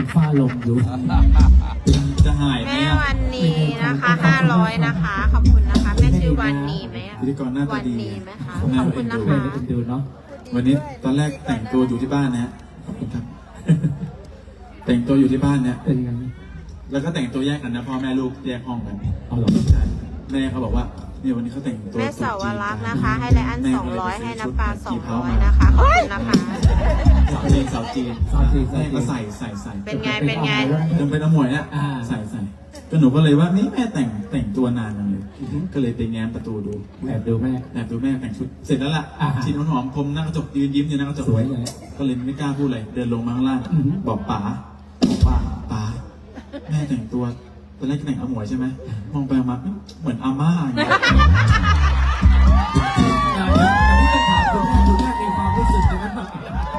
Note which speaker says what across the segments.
Speaker 1: เป็นฝ้าลมอยู่
Speaker 2: จะหายไหม
Speaker 3: แม่วันนี้นะคะ500นะคะขอบคุณนะคะแม่ชื่อวันนี้ไหม
Speaker 2: พิธีกรหน้าตา
Speaker 3: วัน
Speaker 2: ดี
Speaker 3: นี้ไหมคะขอบคุณนะคะ
Speaker 1: ดูเนาะ
Speaker 2: วันนี้ตอนแรกแต่งตัวอยู่ที่บ้านนะฮะขอบคุณครับ แต่งตัวอยู่ที่บ้านเนี่ย
Speaker 1: เป็นยังไง
Speaker 2: แล้วก็แต่งตัวแยกกันนะพ่อแม่ลูกแยกห้องกัน
Speaker 1: เอาหรอ
Speaker 2: ใช่แม่เขาบอกว่าเนี่ยวันนี้เขาแต่งตัว
Speaker 3: แม่สาวรักษ์นะคะ ให้ไลอ้อน
Speaker 2: แม่ก็เลย
Speaker 3: 200ให้
Speaker 2: ไปซื้
Speaker 3: น้ำปลา
Speaker 2: ชุดกี่เผามา
Speaker 3: 200นะคะขอบคุณนะคะ
Speaker 2: สาวจีนสาวจีนแม่ก็ใส่
Speaker 3: เป็นไงเป็นไง
Speaker 2: จนเป็นอมวยเนี่ยใส่ก็หนูก็เลยว่านี่แม่แต่งตัวนานจังเลย ก็เลยไปแง้มประตูดู
Speaker 1: แอบดูแม่
Speaker 2: แอบดูแม่แต่งชุดเสร็จแล้วล่ะชินหอมๆคมหน้ากระจกยืนยิ้มอยู่หน้ากระจก
Speaker 1: สวยเลย
Speaker 2: ก็เลยไม่กล้าพูดอะไรเดินลงมาข้างล่าง
Speaker 1: อือหือ
Speaker 2: บอกป๋าแม่แต่งตัวตอนแรกแต่งอมวยใช่ไหมมองไปมาเหมือนอาม่าอย่างเงี้ย
Speaker 1: แต่พูดคำถามคุณแม่มีความรู้สึกยังไงบ้าง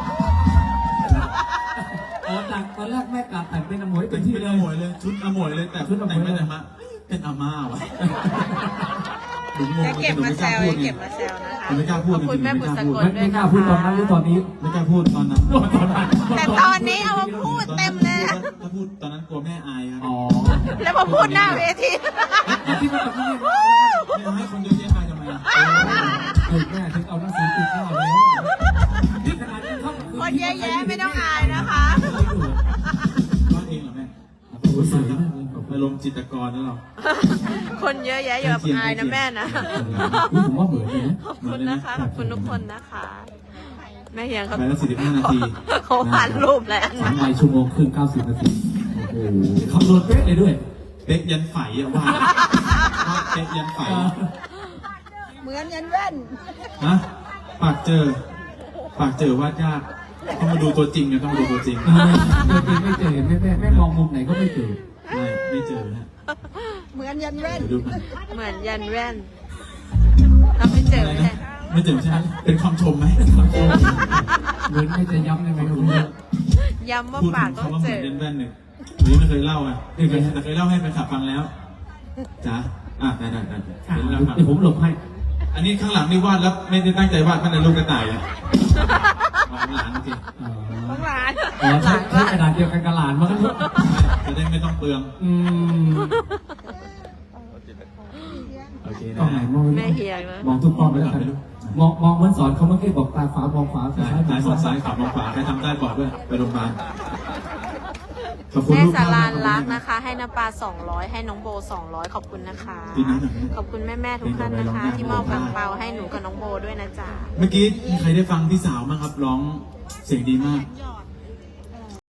Speaker 1: จากตอนแรกแม่กลับแต่งเป็นอมวย
Speaker 2: เป็
Speaker 1: เป็น นที่
Speaker 2: เป็น
Speaker 1: เล
Speaker 2: อย มวยเลยชุดอมวยเลยแต่ชุดแต่งไปแต่งมาเป็นอาม่าวะหนูงง
Speaker 3: จะเก็บมาแซวจะเก็บมาแซวนะคะ
Speaker 2: ไม่กล้าพูด
Speaker 3: ขอบคุณแม่บุษกล
Speaker 1: ไม่กล้าพูดตอนนั้นหรือตอนนี้
Speaker 2: ไม่กล้าพูดตอนนั้น
Speaker 3: แต่ตอนนี้เอามาพูดเต็มเลยนะ
Speaker 2: ถ้าพูดตอนนั้นกลัวแม่อายครับ
Speaker 1: อ๋อ
Speaker 3: แล้วมาพูดหน้าเวที
Speaker 1: ที่มันจะไม่ได้
Speaker 2: ไม่ให้คนเยอะแยะอายทำไมอ่ะ
Speaker 1: แม่ถึงเอาหนังสือติดหน้าแล้วที่ขนาดนี้เขา
Speaker 3: คนเยอะแยะไม่ต้องอายนะคะ
Speaker 2: วาดเองเหรอแม่โอ้ยสวยนะอารมณ์จิตรกรนะเรา
Speaker 3: คนเยอะแยะอย่าอายนะแม่นะ
Speaker 1: ผมว่าเหมือนเลยนะ
Speaker 3: ขอบคุณนะคะ ขอบคุณทุกคนนะคะ แม่เฮียงเขา
Speaker 2: ไปแล้ว45 นาที
Speaker 3: เขาผ่านรูปแล้ว
Speaker 1: 3 วัยชั่วโมงครึ่ง90 นาทีโอ้โหคำนวณเป๊ะเลยด้วย
Speaker 2: เป๊กยันไฝอ่ะวาดเป๊กยันไฝ
Speaker 3: เหมือนยันแว่น
Speaker 2: ฮะปากเจอวาดยากต้องมาดูตัวจริงนะต้องมาดูตัวจริง
Speaker 1: ไม่เจอแม่มองมุมไหนก็ไม่เจอ
Speaker 2: ไม่เจอฮะ
Speaker 3: เหมือนยันแว่น
Speaker 2: เดี๋ยวดูกัน
Speaker 3: เหมือนยันแว่นเราไม่เจอไม่ใช่
Speaker 2: ไม่เจอใช่ไหมเป็นคำชมไหม
Speaker 1: เหมือนไม่จะย้ำยังไงก็ไม่รู้
Speaker 3: ย้ำว่า
Speaker 2: พูด
Speaker 3: ปาก
Speaker 2: ถึง
Speaker 3: ต้อง
Speaker 2: คำว่าเห
Speaker 3: เจ
Speaker 2: มือน
Speaker 3: อ
Speaker 2: เดนแว่นหนึ่งหรือไม่เคยเล่าอ่ะแต่เคยเล่าให้แฟนคลับฟังแล้วจ้ะได้เดี๋ยวเล่าฟัง
Speaker 1: เดี๋ยวผมหลบให้
Speaker 2: อันนี้ข้างหลังนี่วาดแล้วไม่ได้ตั้งใจวาดตั้งแต่ลูกกระต่ายอ่ะของหลานโอเค
Speaker 3: ของหลาน
Speaker 1: อ๋อใช้กระดาษเดียวกันกับหลานมากันทุก
Speaker 2: จะได้ไม่ต้องเปลืองโอเค
Speaker 1: กล้องไหน
Speaker 2: นะ
Speaker 1: มอง
Speaker 3: แม่เฮียงนะ
Speaker 1: มองทุกกล้องเลยครับมองเหมือนสอนเขาเมื่อกี้บอกตาขวามองขวา
Speaker 2: ซ้ายสอดซ้ายขับลงขวาใครทำได้บอกด้วยไปโรงพยาบาลขอบคุณ
Speaker 3: แม่
Speaker 2: ลูก
Speaker 3: สาราน
Speaker 2: ม
Speaker 3: รั
Speaker 2: ก
Speaker 3: กนะคะ ให้น้ำปลา200ให้น้องโบ200ขอบคุณนะคะ
Speaker 2: ดีนะหน่อย
Speaker 3: ขอบคุณแม่ๆทุกท่านนะคะ ที่มอบกางเปาให้หนูกับน้องโบด้วยนะจ๊ะ
Speaker 2: เมื่อกี้มีใครได้ฟังพี่สาวมั้างครับร้องเสียงดีมาก
Speaker 3: ย